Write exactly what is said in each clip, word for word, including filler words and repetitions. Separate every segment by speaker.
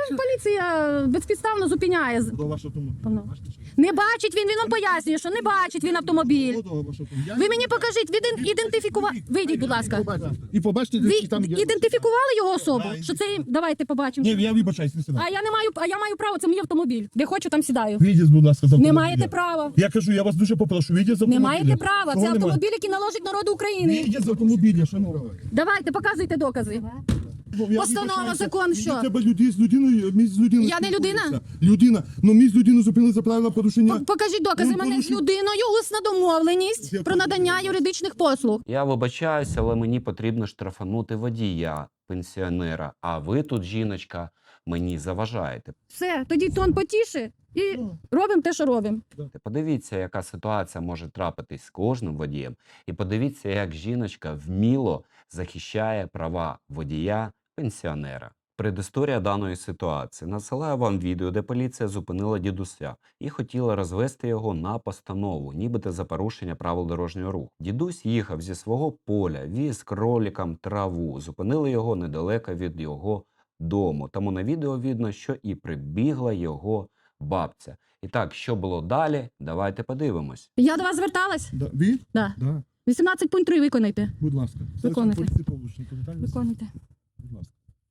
Speaker 1: поліція безпідставно зупиняє.
Speaker 2: До вашого автомобіля.
Speaker 1: Не бачить він, він вам пояснює, що не бачить він автомобіль. Ви мені покажіть, ви ідентифікували... Вийдіть, будь ласка.
Speaker 2: І побачите,
Speaker 1: Ви
Speaker 2: де там є.
Speaker 1: ідентифікували його особу?
Speaker 2: Да,
Speaker 1: Що це... Давайте побачимо.
Speaker 2: Ні, я вибачаюсь, не сюди.
Speaker 1: А я не маю, а я маю право, це мій автомобіль. Де хочу, там сідаю.
Speaker 2: Вийдіть, будь ласка, з
Speaker 1: Не
Speaker 2: автомобіля.
Speaker 1: маєте права.
Speaker 2: Я кажу, я вас дуже попрошу, вийдіть з
Speaker 1: Не
Speaker 2: автомобіля.
Speaker 1: маєте права.
Speaker 2: Чого
Speaker 1: Це
Speaker 2: немає?
Speaker 1: автомобіль, який належить народу України.
Speaker 2: Вийдіть з автомобіля, шановні.
Speaker 1: Давайте, показуйте докази.
Speaker 2: Я
Speaker 1: Постанова,
Speaker 2: вибачаюся.
Speaker 1: закон,
Speaker 2: Мені
Speaker 1: що?
Speaker 2: треба людей з людиною, мій з людиною.
Speaker 1: Я не людина?
Speaker 2: спілкуюся. Людина. Ну мій з людиною зупинили за правила порушення.
Speaker 1: П- Покажіть докази.
Speaker 2: Ну,
Speaker 1: У мене з
Speaker 2: порушив-
Speaker 1: людиною усна домовленість
Speaker 2: Я
Speaker 1: про надання юридичних послуг.
Speaker 3: Я вибачаюся, але мені потрібно штрафанути водія, пенсіонера. А ви тут, жіночка, мені заважаєте.
Speaker 1: Все, тоді тон потіше і робимо те, що робимо.
Speaker 3: Подивіться, яка ситуація може трапитись з кожним водієм. І подивіться, як жіночка вміло захищає права водія, пенсіонера. Предісторія даної ситуації. Насилаю вам відео, де поліція зупинила дідуся і хотіла розвести його на постанову, нібито за порушення правил дорожнього руху. Дідусь їхав зі свого поля, віз кролікам траву. Зупинили його недалеко від його дому. Тому на відео видно, що і прибігла його бабця. І так, що було далі? Давайте подивимось.
Speaker 1: Я до вас зверталась?
Speaker 2: Да. Ви?
Speaker 1: Да.
Speaker 2: Да.
Speaker 1: вісімнадцять пункт три виконайте.
Speaker 2: Будь ласка.
Speaker 1: Виконуйте.
Speaker 2: Поліції Павлушенко, Віталій Васильович.
Speaker 1: Виконуйте.
Speaker 2: Будь ласка.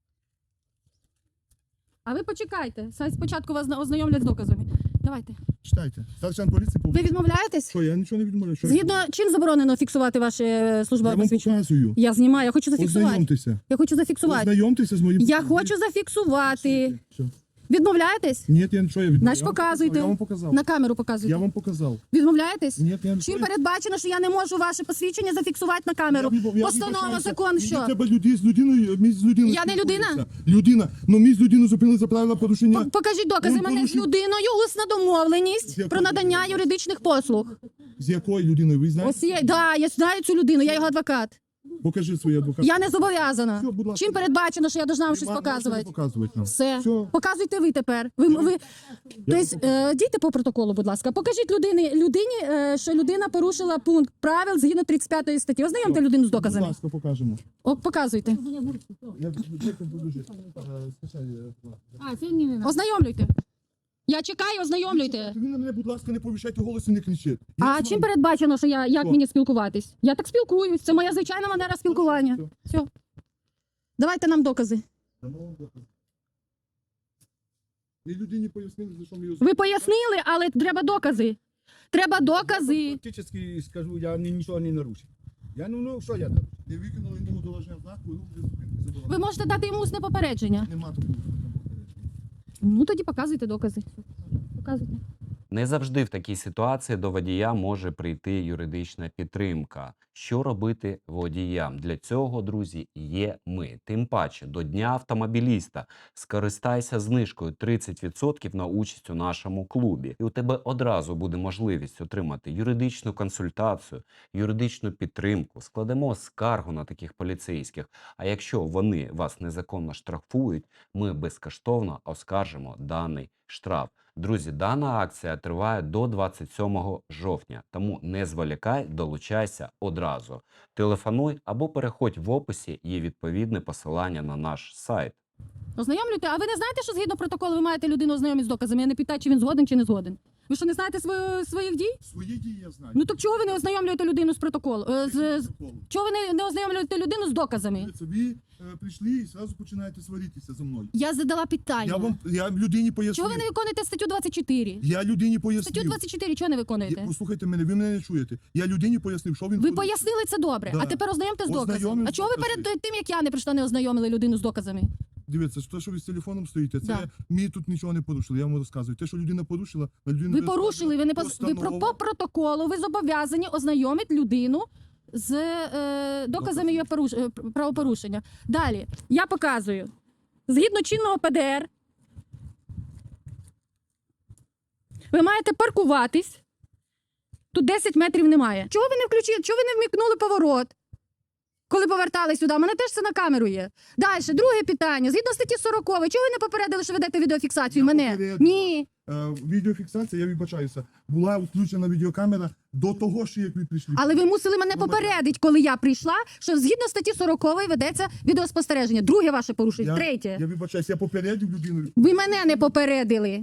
Speaker 1: А ви почекайте. Сай спочатку вас ознайомлять з доказами. Давайте.
Speaker 2: Читайте. Старшан поліції
Speaker 1: Ви
Speaker 2: Павлушенко.
Speaker 1: відмовляєтесь?
Speaker 2: Що, я нічого не відмовляю. Що
Speaker 1: Згідно чим заборонено фіксувати ваше
Speaker 2: я
Speaker 1: службове
Speaker 2: вам
Speaker 1: посвідчення?
Speaker 2: показую.
Speaker 1: Я знімаю, я хочу зафіксувати.
Speaker 2: Ознайомтеся.
Speaker 1: Я хочу зафіксувати.
Speaker 2: Ознайомтеся з моїм...
Speaker 1: Я хочу зафіксувати.
Speaker 2: Все.
Speaker 1: Відмовляєтесь?
Speaker 2: Ні, я нічого я відмовляю.
Speaker 1: Значить,
Speaker 2: Я вам
Speaker 1: показуйте.
Speaker 2: Я вам показав.
Speaker 1: На камеру
Speaker 2: Я
Speaker 1: показуйте.
Speaker 2: вам показав.
Speaker 1: Відмовляєтесь?
Speaker 2: Ні, я
Speaker 1: Чим передбачено, що я не можу ваше посвідчення зафіксувати на камеру?
Speaker 2: Я вибав- я
Speaker 1: Постанова,
Speaker 2: вибачаюся.
Speaker 1: закон,
Speaker 2: Мені
Speaker 1: що?
Speaker 2: треба людей з людиною, мій з людиною.
Speaker 1: Я не людина?
Speaker 2: спілкуюся. Людина. Ну мій з людиною зупинили за правила порушення.
Speaker 1: П- Покажіть докази.
Speaker 2: Ну,
Speaker 1: У мене з
Speaker 2: порушив-
Speaker 1: людиною усна
Speaker 2: З
Speaker 1: домовленість
Speaker 2: якою
Speaker 1: про надання
Speaker 2: людиною?
Speaker 1: юридичних послуг.
Speaker 2: З якою людиною? Ви знаєте?
Speaker 1: Ось є, да, я знаю цю людину, я його адвокат.
Speaker 2: Покажи свій адвокат.
Speaker 1: Я не зобов'язана.
Speaker 2: Все, будь ласка.
Speaker 1: Чим передбачено, що я должна вам
Speaker 2: Ви
Speaker 1: щось
Speaker 2: можете
Speaker 1: показувати?
Speaker 2: показувати нам.
Speaker 1: Все.
Speaker 2: Все.
Speaker 1: Показуйте ви тепер. Ви, ви... Тобто, е, дійте по протоколу, будь ласка. Покажіть людині, людині, е, що людина порушила пункт правил згідно тридцять п'ятої статті. Ознайомте людину з
Speaker 2: Будь
Speaker 1: доказами.
Speaker 2: ласка, покажемо.
Speaker 1: О, показуйте.
Speaker 2: Я дякую, дуже. Е, скачай, е,
Speaker 4: А, це ні, не
Speaker 1: Ознайомлюйте. Я чекаю, ознайомлюйте.
Speaker 2: Ви на мене, будь ласка, не повищайте голос і не кричіть. Я
Speaker 1: А
Speaker 2: з
Speaker 1: чим
Speaker 2: вами.
Speaker 1: передбачено, що я як
Speaker 2: Що?
Speaker 1: мені спілкуватись? Я так спілкуюсь. Це моя звичайна манера спілкування.
Speaker 2: Все.
Speaker 1: Все. Давайте нам докази.
Speaker 2: Дамо вам доказ. Ви людині пояснили, за що ми її
Speaker 1: Ви пояснили, але треба докази. Треба докази.
Speaker 5: Фактически скажу, я ні- нічого не нарушив. Я ну, ну що я нарушив?
Speaker 2: не виконали йому доложення знаку, і рух для зупинки заборонено.
Speaker 1: Ви можете дати йому усне попередження.
Speaker 2: Нема такого.
Speaker 1: Ну тоді показуйте докази. Показуйте.
Speaker 3: Не завжди в такій ситуації до водія може прийти юридична підтримка. Що робити водіям? Для цього, друзі, є ми. Тим паче, до Дня автомобіліста скористайся знижкою тридцять відсотків на участь у нашому клубі. І у тебе одразу буде можливість отримати юридичну консультацію, юридичну підтримку. Складемо скаргу на таких поліцейських. А якщо вони вас незаконно штрафують, ми безкоштовно оскаржимо даний штраф. Друзі, дана акція триває до двадцять сьомого жовтня, тому не зволікай, долучайся одразу. Телефонуй або переходь в описі, є відповідне посилання на наш сайт.
Speaker 1: Ознайомлюйте. А ви не знаєте, що згідно протоколу ви маєте людину ознайомити з доказами? Я не питаю, чи він згоден, чи не згоден. Ви що, не знаєте свою, своїх дій?
Speaker 2: Свої дії я знаю.
Speaker 1: Ну так чого ви не ознайомлюєте людину з протоколу? Е, з, з-
Speaker 2: Протоколу.
Speaker 1: чого ви не, не ознайомлюєте людину з доказами?
Speaker 2: Дивіться, Ви е, прийшли і одразу починаєте сваритися зі мною.
Speaker 1: Я задала питання.
Speaker 2: Я вам, я людині пояснив.
Speaker 1: Чого ви не виконуєте статтю двадцять чотири?
Speaker 2: Я людині пояснив.
Speaker 1: Статтю двадцять чотири чого не виконуєте?
Speaker 2: Я- Послухайте мене, ви мене не чуєте. Я людині пояснив, що він...
Speaker 1: Ви
Speaker 2: ходить.
Speaker 1: пояснили це добре,
Speaker 2: Да.
Speaker 1: а тепер ознайомте з доказами.
Speaker 2: Ознайомлюсь
Speaker 1: А чого ви
Speaker 2: з доказами.
Speaker 1: перед тим, як я не прийшла, не ознайомили людину з доказами?
Speaker 2: Дивіться, те, що ви з телефоном стоїте, це
Speaker 1: Да.
Speaker 2: мені тут нічого не порушили. Я вам розказую. Те, що людина порушила, на людину...
Speaker 1: Ви
Speaker 2: не
Speaker 1: порушили, ви не поз- ви про по протоколу, ви зобов'язані ознайомити людину з е, доказами її поруш... е, правопорушення. Далі я показую. Згідно чинного П Д Р, ви маєте паркуватись. Тут десять метрів немає. Чого ви не включили? Чого ви не вмікнули поворот? коли повертали сюди. У мене теж це на камеру є. Далі, друге питання. Згідно статті сорок, чого ви не попередили, що ведете відеофіксацію
Speaker 2: Я
Speaker 1: мене?
Speaker 2: попередив.
Speaker 1: Ні.
Speaker 2: Е, Відеофіксація, я вибачаюся, була включена відеокамера до того, що як ви прийшли.
Speaker 1: Але ви мусили мене
Speaker 2: Ну,
Speaker 1: попередити, коли я прийшла, що згідно статті сорок ведеться відеоспостереження. Друге ваше порушення.
Speaker 2: Я,
Speaker 1: Третє.
Speaker 2: я вибачаюся, я попередив людину.
Speaker 1: Ви мене не попередили.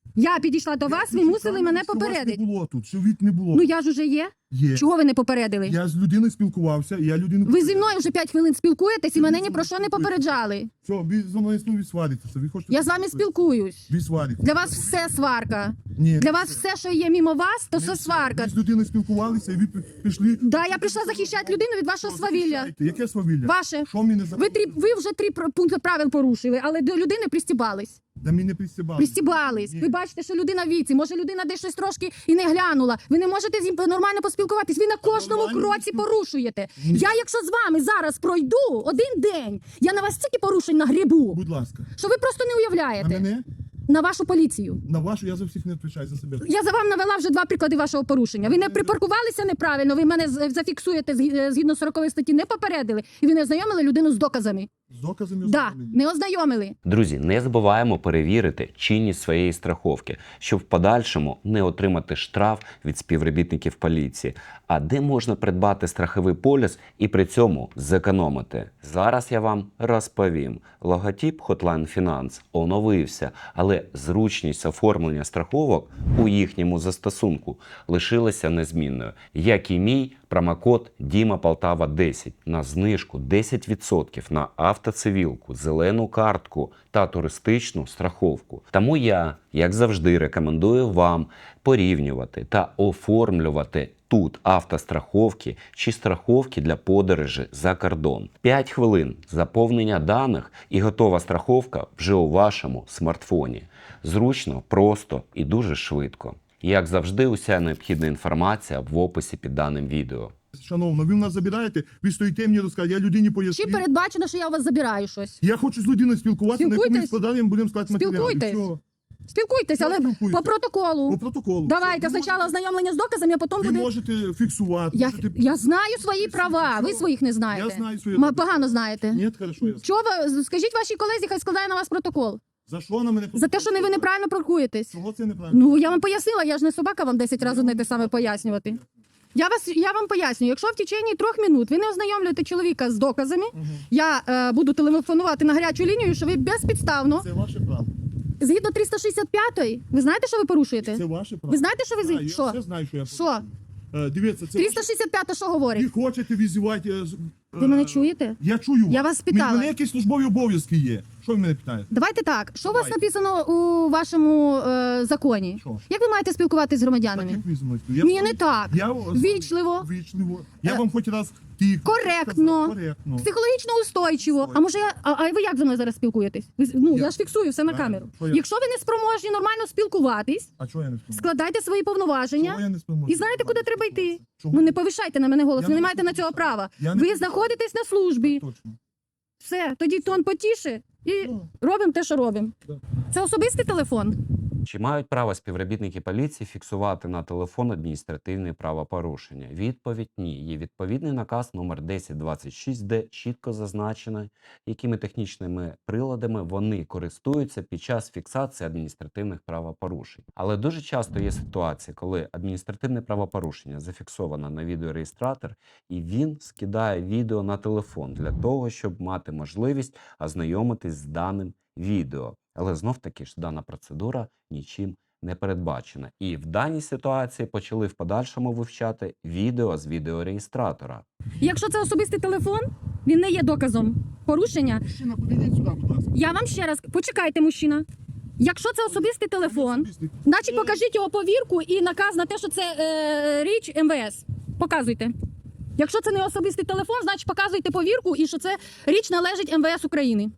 Speaker 1: Я підійшла до вас, ви мусили мене
Speaker 2: Що вас
Speaker 1: попередити.
Speaker 2: не було тут, що від не було.
Speaker 1: Ну я ж уже є.
Speaker 2: Є.
Speaker 1: Чого ви не попередили?
Speaker 2: Я з людиною спілкувався, і я людину...
Speaker 1: Ви зі мною вже п'ять хвилин спілкуєтесь і мене ні про що не попереджали.
Speaker 2: Все, ви зі мною знову сваритеся. Ви хочете...
Speaker 1: Я з вами спілкуюсь.
Speaker 2: Ви сваритеся.
Speaker 1: Для вас все сварка.
Speaker 2: Ні.
Speaker 1: Для вас все, що є мимо вас, то
Speaker 2: Не
Speaker 1: все
Speaker 2: все.
Speaker 1: сварка.
Speaker 2: Ви з людиною спілкувалися, і ви прийшли...
Speaker 1: Да, я прийшла захищати людину від вашого свавілля.
Speaker 2: Захищайте. Яке свавілля?
Speaker 1: Ваше.
Speaker 2: Що мені не
Speaker 1: Ви, трі, ви вже три пр- пункти правил порушили, але до людини пристібались.
Speaker 2: Да мені не пристібали.
Speaker 1: Пристібались.
Speaker 2: Ні.
Speaker 1: Ви бачите, що людина в віці. Може, людина десь щось трошки і не глянула. Ви не можете з ним нормально поспілкуватись. Ви на кожному
Speaker 2: Нормально
Speaker 1: кроці
Speaker 2: спіл-
Speaker 1: порушуєте.
Speaker 2: Ні.
Speaker 1: Я, якщо з вами зараз пройду один день, я на вас стільки порушень нагрібу,
Speaker 2: Будь ласка.
Speaker 1: що ви просто не
Speaker 2: На
Speaker 1: уявляєте.
Speaker 2: мене?
Speaker 1: На вашу поліцію.
Speaker 2: На вашу я за всіх не відповідаю, за себе.
Speaker 1: Я за вам навела вже два приклади вашого порушення. Ви не припаркувалися неправильно, ви мене з- зафіксуєте згі- згідно сорокової статті, не попередили, і ви не ознайомили людину з доказами.
Speaker 2: З доказами
Speaker 1: Да,
Speaker 2: ознайомлені.
Speaker 1: не ознайомили.
Speaker 3: Друзі, не забуваємо перевірити чинність своєї страховки, щоб в подальшому не отримати штраф від співробітників поліції. А де можна придбати страховий поліс і при цьому зекономити? Зараз я вам розповім. Логотип Hotline Finance оновився, але зручність оформлення страховок у їхньому застосунку лишилася незмінною. Як і мій промокод Діма Полтава десять на знижку десять відсотків на автоцивілку, зелену картку та туристичну страховку. Тому я, як завжди, рекомендую вам порівнювати та оформлювати тут автостраховки чи страховки для подорожі за кордон. п'ять хвилин заповнення даних і готова страховка вже у вашому смартфоні. Зручно, просто і дуже швидко. Як завжди, уся необхідна інформація в описі під даним відео.
Speaker 2: Шановна, ви в нас забираєте, ви стоїте мені розказати, я людині
Speaker 1: Чи
Speaker 2: поясню.
Speaker 1: передбачено, що я у вас забираю щось?
Speaker 2: Я хочу з людиною спілкуватися, на якому
Speaker 1: Спілкуйтесь.
Speaker 2: складанням будемо складати матеріали.
Speaker 1: Спілкуйтесь.
Speaker 2: Все.
Speaker 1: Спілкуйтесь,
Speaker 2: Я
Speaker 1: але
Speaker 2: спілкуюся.
Speaker 1: по протоколу.
Speaker 2: По протоколу.
Speaker 1: Давайте
Speaker 2: Ви
Speaker 1: спочатку
Speaker 2: можете-
Speaker 1: ознайомлення з доказами, а потім
Speaker 2: Ви
Speaker 1: буде.
Speaker 2: можете фіксувати.
Speaker 1: Я,
Speaker 2: можете...
Speaker 1: я знаю свої права, ви своїх не знаєте.
Speaker 2: Я знаю свої
Speaker 1: Ма-
Speaker 2: права.
Speaker 1: Погано знаєте.
Speaker 2: Ні, хорошо, я знаю.
Speaker 1: Чого ви скажіть вашій колезі, хай складає на вас протокол
Speaker 2: За що на мене?
Speaker 1: за те, що не ви неправильно паркуєтесь.
Speaker 2: Чого це неправильно?
Speaker 1: Ну я вам пояснила, я ж не собака вам десять разів не те саме пояснювати. Я вас я вам пояснюю, якщо в течение трьох минут ви не ознайомлюєте чоловіка з доказами,
Speaker 2: Мгм.
Speaker 1: я е, буду телефонувати на гарячу лінію, що ви безпідставно,
Speaker 2: Це ваше право.
Speaker 1: згідно триста шістдесят п'ятої, ви знаєте, що ви порушуєте?
Speaker 2: Це ваше право.
Speaker 1: Ви знаєте, що ви
Speaker 2: Так,
Speaker 1: з-
Speaker 2: я
Speaker 1: що?
Speaker 2: все знаю, що я
Speaker 1: Що?
Speaker 2: Е, Дивіться, це
Speaker 1: триста шістдесят п'ята що
Speaker 2: ви
Speaker 1: говорить?
Speaker 2: хочете візивати... е, з-
Speaker 1: Ви
Speaker 2: е,
Speaker 1: мене чуєте?
Speaker 2: Я чую.
Speaker 1: Я вас
Speaker 2: Мені-
Speaker 1: питала.
Speaker 2: Мене якісь службові обов'язки є. Що ви мене питаєте?
Speaker 1: Давайте так. Що у вас
Speaker 2: Давайте.
Speaker 1: написано у вашому е, законі?
Speaker 2: Що?
Speaker 1: Як ви маєте спілкуватися з
Speaker 2: Так,
Speaker 1: громадянами?
Speaker 2: як ви зі мною спілкуєтесь?
Speaker 1: Ні, не так.
Speaker 2: Я,
Speaker 1: Вічливо.
Speaker 2: Вічливо. Я
Speaker 1: Е,
Speaker 2: вам хоч раз тихо
Speaker 1: коректно.
Speaker 2: сказав, коректно.
Speaker 1: Психологічно устойчиво.
Speaker 2: Устойчиво.
Speaker 1: А може я. А, а ви як зі мною зараз спілкуєтесь? Ви, ну, я,
Speaker 2: Я-
Speaker 1: ж фіксую все на
Speaker 2: Правильно.
Speaker 1: камеру.
Speaker 2: Що я-
Speaker 1: Якщо ви не спроможні нормально спілкуватись,
Speaker 2: А чого я не спілкуюся?
Speaker 1: складайте свої
Speaker 2: Чого
Speaker 1: повноваження
Speaker 2: я не спілкуюся?
Speaker 1: і знаєте, куди треба йти.
Speaker 2: Чого?
Speaker 1: Ну не повишайте на мене голос,
Speaker 2: Я
Speaker 1: ви не
Speaker 2: не
Speaker 1: маєте на
Speaker 2: повишаю.
Speaker 1: цього права.
Speaker 2: Я не
Speaker 1: Ви
Speaker 2: повишаю.
Speaker 1: знаходитесь на службі.
Speaker 2: Точно.
Speaker 1: Все, тоді тон потіше і
Speaker 2: Ну,
Speaker 1: робимо те, що робимо.
Speaker 2: Да.
Speaker 1: Це особистий телефон.
Speaker 3: Чи мають право співробітники поліції фіксувати на телефон адміністративні правопорушення? Відповідь – ні. Є відповідний наказ номер десять двадцять шість, де чітко зазначено, якими технічними приладами вони користуються під час фіксації адміністративних правопорушень. Але дуже часто є ситуації, коли адміністративне правопорушення зафіксовано на відеореєстратор, і він скидає відео на телефон для того, щоб мати можливість ознайомитись з даним відео. Але знов-таки ж дана процедура нічим не передбачена. І в даній ситуації почали в подальшому вивчати відео з відеореєстратора.
Speaker 1: Якщо це особистий телефон, він не є доказом порушення.
Speaker 2: Мужчина, підійдіть сюди, будь ласка.
Speaker 1: Я вам ще раз почекайте, мужчина. Якщо це особистий телефон,
Speaker 2: Особистий.
Speaker 1: значить покажіть його повірку і наказ на те, що це е, річ ем ве ес. Показуйте. Якщо це не особистий телефон, значить показуйте повірку і що це річ належить ем ве ес України.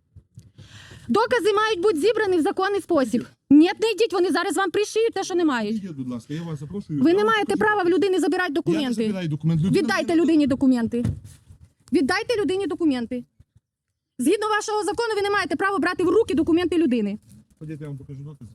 Speaker 1: Докази мають бути зібрані в законний спосіб. Ні, не йдіть, вони зараз вам пришиють те, що не мають.
Speaker 2: Підійдіть, будь ласка, я вас запрошую.
Speaker 1: Ви
Speaker 2: Я
Speaker 1: не
Speaker 2: вам
Speaker 1: маєте
Speaker 2: покажу.
Speaker 1: права в людини забирати
Speaker 2: Я не
Speaker 1: документи.
Speaker 2: забираю документ. Людина
Speaker 1: Віддайте
Speaker 2: мені-
Speaker 1: людині документи. Віддайте людині документи. Згідно вашого закону, ви не маєте права брати в руки документи людини.
Speaker 2: Ходіть, я вам покажу докази.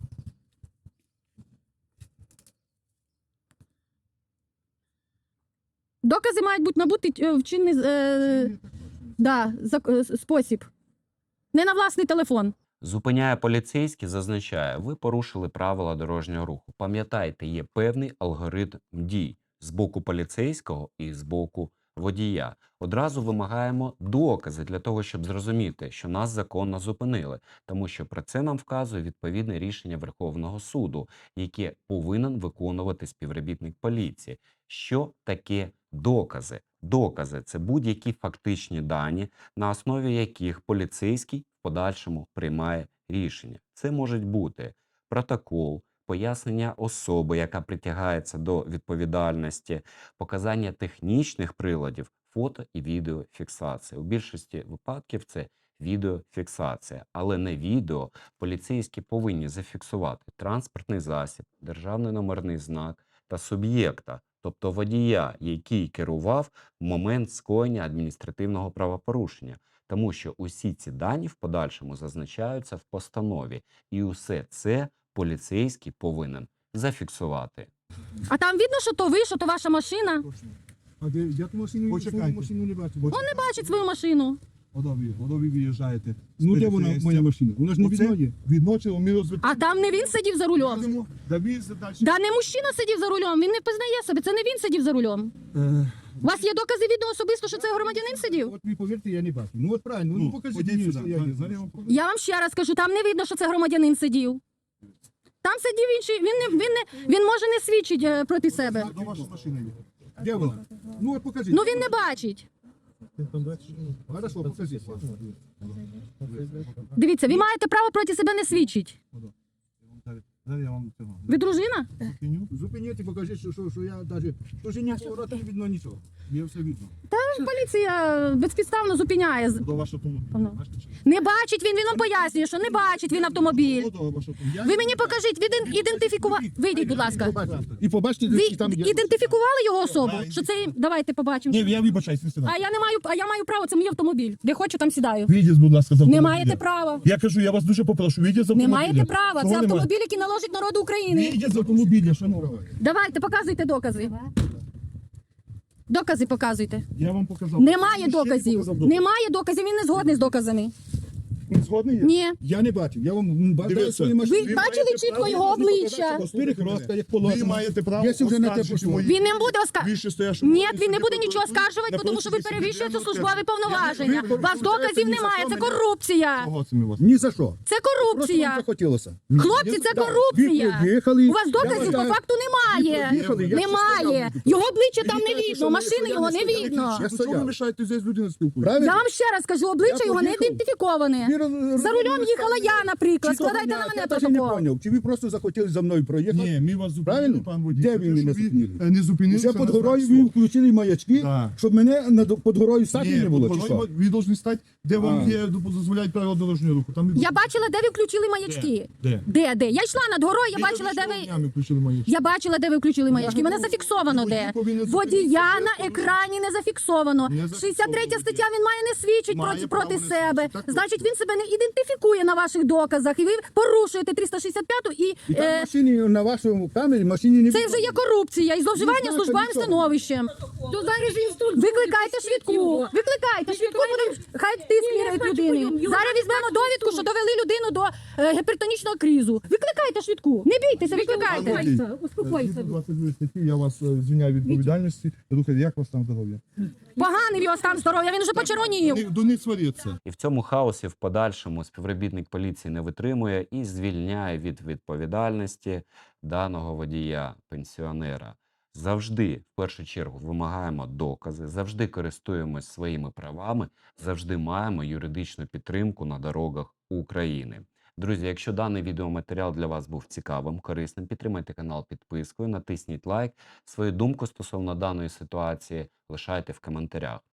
Speaker 1: Докази мають бути набути е, в чинний е, да, зак- е, спосіб. Не на власний телефон.
Speaker 3: Зупиняє поліцейський, зазначає, ви порушили правила дорожнього руху. Пам'ятайте, є певний алгоритм дій з боку поліцейського і з боку водія. Одразу вимагаємо докази для того, щоб зрозуміти, що нас законно зупинили, тому що про це нам вказує відповідне рішення Верховного суду, яке повинен виконувати співробітник поліції. Що таке докази? Докази – це будь-які фактичні дані, на основі яких поліцейський в подальшому приймає рішення. Це можуть бути протокол, пояснення особи, яка притягається до відповідальності, показання технічних приладів, фото і відеофіксація. У більшості випадків це відеофіксація, але не відео. Поліцейські повинні зафіксувати транспортний засіб, державний номерний знак та суб'єкта, тобто водія, який керував в момент скоєння адміністративного правопорушення. Тому що усі ці дані в подальшому зазначаються в постанові. І усе це поліцейський повинен зафіксувати.
Speaker 1: А там видно, що то ви, що то ваша машина.
Speaker 2: Точно.
Speaker 5: А де, я ту машину,
Speaker 2: Почекайте.
Speaker 5: свою машину не бачу.
Speaker 2: Почекайте.
Speaker 1: Бачить свою машину.
Speaker 2: Ото ви, ото ви виїжджаєте. з
Speaker 5: Ну де вона,
Speaker 2: перехрестя.
Speaker 5: моя машина? Вона ж не
Speaker 2: Оце
Speaker 5: відноє.
Speaker 2: відночило, ми розвитку.
Speaker 1: А там не він сидів за рулем.
Speaker 2: Да ви далі.
Speaker 1: Да не мужчина сидів за рулем, він не познає себе, це не він сидів за рулем.
Speaker 5: Е,
Speaker 1: У вас є докази відео особисто, що це громадянин сидів?
Speaker 5: От ви повірте, я не бачу. Ну от правильно, ну,
Speaker 2: Ну,
Speaker 5: покажіть
Speaker 2: ходіть
Speaker 5: мені,
Speaker 2: сюди.
Speaker 5: що я
Speaker 2: Зараз-
Speaker 5: не
Speaker 2: зараз я
Speaker 5: знаю.
Speaker 2: вам покажу.
Speaker 1: Я вам ще раз кажу, там не видно, що це громадянин сидів. Там сидів інший, він не він не він може не свідчить е, проти себе.
Speaker 2: До вашої машини є.
Speaker 5: Де вона? Ну от покажіть.
Speaker 1: Ну він не бачить.
Speaker 5: Хорошо, покажіть.
Speaker 1: Дивіться, ви маєте право проти себе не свідчить.
Speaker 2: Зараз я вам цього.
Speaker 1: Ви дружина?
Speaker 2: Зупиню.
Speaker 5: Зупиніть і покажіть, що, що, що я навіть... То ж ні поворота не видно нічого.
Speaker 2: Є все видно.
Speaker 1: Поліція безпідставно зупиняє.
Speaker 2: До вашого автомобіля.
Speaker 1: Воно.
Speaker 2: Бачите, чи?
Speaker 1: Не бачить він, він вам пояснює, що не бачить він автомобіль.
Speaker 2: До вашого автомобіля.
Speaker 1: Ви мені покажіть, ви ідентифікували. Вийдіть, будь ласка.
Speaker 5: І побачите,
Speaker 1: Ви
Speaker 5: що там є.
Speaker 1: ідентифікували його особу? Що це давайте побачимо.
Speaker 2: Ні, я вибачаюсь, не сюди.
Speaker 1: А я не маю, а я маю право, це мій автомобіль. Де хочу, там сідаю.
Speaker 2: Вийдіть, будь ласка, з
Speaker 1: Не
Speaker 2: автомобіля.
Speaker 1: маєте права.
Speaker 2: Я кажу, я вас дуже попрошу, вийдіть з
Speaker 1: Не
Speaker 2: автомобіля.
Speaker 1: маєте права. Це
Speaker 2: Чого немає?
Speaker 1: автомобіль, який належить народу України.
Speaker 2: Вийдіть з автомобіля, шановні.
Speaker 1: Давайте, показуйте докази. Докази показуйте.
Speaker 2: Я вам показав.
Speaker 1: Немає
Speaker 2: Ще не
Speaker 1: доказів.
Speaker 2: показав докази.
Speaker 1: Немає доказів, він не згодний з доказами.
Speaker 2: Ви згодні?
Speaker 1: Ні.
Speaker 5: Я не бачив, я вам бажаю
Speaker 2: Дивіться.
Speaker 5: свої машини.
Speaker 1: Ви бачили чітко його обличчя?
Speaker 5: З перехрестка, як
Speaker 2: Ви
Speaker 5: положено.
Speaker 2: маєте право
Speaker 5: Якщо вже на те
Speaker 2: оскаржити
Speaker 5: пішло.
Speaker 2: мої
Speaker 1: Він не буде оскаржувати.
Speaker 2: вище стоящому
Speaker 1: Ні,
Speaker 2: органі
Speaker 1: він не
Speaker 2: суді
Speaker 1: буде нічого
Speaker 2: прокуратури
Speaker 1: оскаржувати,
Speaker 2: на
Speaker 1: тому що ви
Speaker 2: протязі
Speaker 1: перевищуєте
Speaker 2: судебного
Speaker 1: службові
Speaker 2: терміну.
Speaker 1: повноваження.
Speaker 2: Ви
Speaker 1: У вас доказів немає, це корупція.
Speaker 2: Кого це ми вас?
Speaker 5: Ні за що.
Speaker 1: Це
Speaker 5: Просто вам
Speaker 1: корупція.
Speaker 5: захотілося.
Speaker 1: Хлопці, це
Speaker 5: Да.
Speaker 1: корупція.
Speaker 5: Ви приїхали.
Speaker 1: У вас доказів по факту немає.
Speaker 5: приїхали, я
Speaker 1: Немає.
Speaker 5: ще стояв.
Speaker 1: Його обличчя там не
Speaker 5: кажете,
Speaker 1: видно,
Speaker 5: що
Speaker 1: машини
Speaker 5: я
Speaker 1: його
Speaker 5: не
Speaker 1: не
Speaker 5: стояв.
Speaker 1: видно.
Speaker 5: Я
Speaker 2: Чого ви
Speaker 5: стояв.
Speaker 2: мішаєте здесь людина спілкується?
Speaker 5: Правильно?
Speaker 1: Я вам ще раз кажу, обличчя
Speaker 5: Я
Speaker 1: його не
Speaker 5: поїхав.
Speaker 1: ідентифіковане.
Speaker 5: Ви роз-
Speaker 1: За рулем
Speaker 5: роз-
Speaker 1: їхала я, наприклад.
Speaker 5: Чи то
Speaker 1: Складайте на
Speaker 5: мене,
Speaker 1: мене
Speaker 5: я навіть не
Speaker 1: протокол.
Speaker 5: поняв, чи ви просто захотіли за мною проїхати?
Speaker 2: Ні, ми вас зупинили,
Speaker 5: Правильно?
Speaker 2: пан водій.
Speaker 5: Де
Speaker 2: За
Speaker 5: ви
Speaker 2: те,
Speaker 5: мене
Speaker 2: що
Speaker 5: зупинили?
Speaker 2: е, Не зупинилися
Speaker 5: Вже під
Speaker 2: на
Speaker 5: горою
Speaker 2: знак
Speaker 5: ви
Speaker 2: «Стоп».
Speaker 5: включили маячки,
Speaker 2: Так.
Speaker 5: щоб мене над- під горою стати
Speaker 2: Ні,
Speaker 5: не було, чи
Speaker 2: під
Speaker 5: що?
Speaker 2: горою ви повинні стати, де вам
Speaker 5: А.
Speaker 2: є, дозволяють правила дорожнього руху. Там і
Speaker 1: Я бачила, де ви включили маячки.
Speaker 2: Де?
Speaker 1: Де, де? Я йшла над горою, я
Speaker 2: Ви
Speaker 1: бачила, де
Speaker 2: тільки що
Speaker 1: ви.
Speaker 2: днями включили маячки.
Speaker 1: Я бачила, де ви включили маячки. Мене зафіксовано
Speaker 2: Водій
Speaker 1: де.
Speaker 2: повинен
Speaker 1: Водія
Speaker 2: зупинитися.
Speaker 1: на екрані не зафіксовано.
Speaker 2: Не зафіксовано.
Speaker 1: шістдесят третя стаття, він має не свідчить
Speaker 2: Має
Speaker 1: проти,
Speaker 2: право
Speaker 1: проти
Speaker 2: не
Speaker 1: себе.
Speaker 2: свідчити. Так
Speaker 1: Значить, він себе не ідентифікує на ваших доказах. І ви порушуєте триста шістдесят п'яту і,
Speaker 5: І там
Speaker 1: е,
Speaker 5: машині на вашому камері машині не
Speaker 1: це
Speaker 5: видно.
Speaker 1: вже є корупція і зловживання
Speaker 5: знаєте,
Speaker 1: службовим
Speaker 5: нічого.
Speaker 1: становищем. Викликайте швидку. Викликайте швидку, будемо хай тиск міряють людини. Зараз візьмемо довідку, що довели людину до е, гіпертонічного кризу. Викликайте швидку. Не бійтеся, викликайте.
Speaker 2: Успокойся. двадцять другій статті я вас е, звільняю від відповідальності. Рухайте, як у вас там здоров'я?
Speaker 1: Поганий його стан здоров'я, він вже почервонів.
Speaker 2: До- До них сваріться.
Speaker 3: І в цьому хаосі в подальшому співробітник поліції не витримує і звільняє від відповідальності даного водія, пенсіонера. Завжди, в першу чергу, вимагаємо докази, завжди користуємось своїми правами, завжди маємо юридичну підтримку на дорогах України. Друзі, якщо даний відеоматеріал для вас був цікавим, корисним, підтримайте канал підпискою, натисніть лайк. Свою думку стосовно даної ситуації лишайте в коментарях.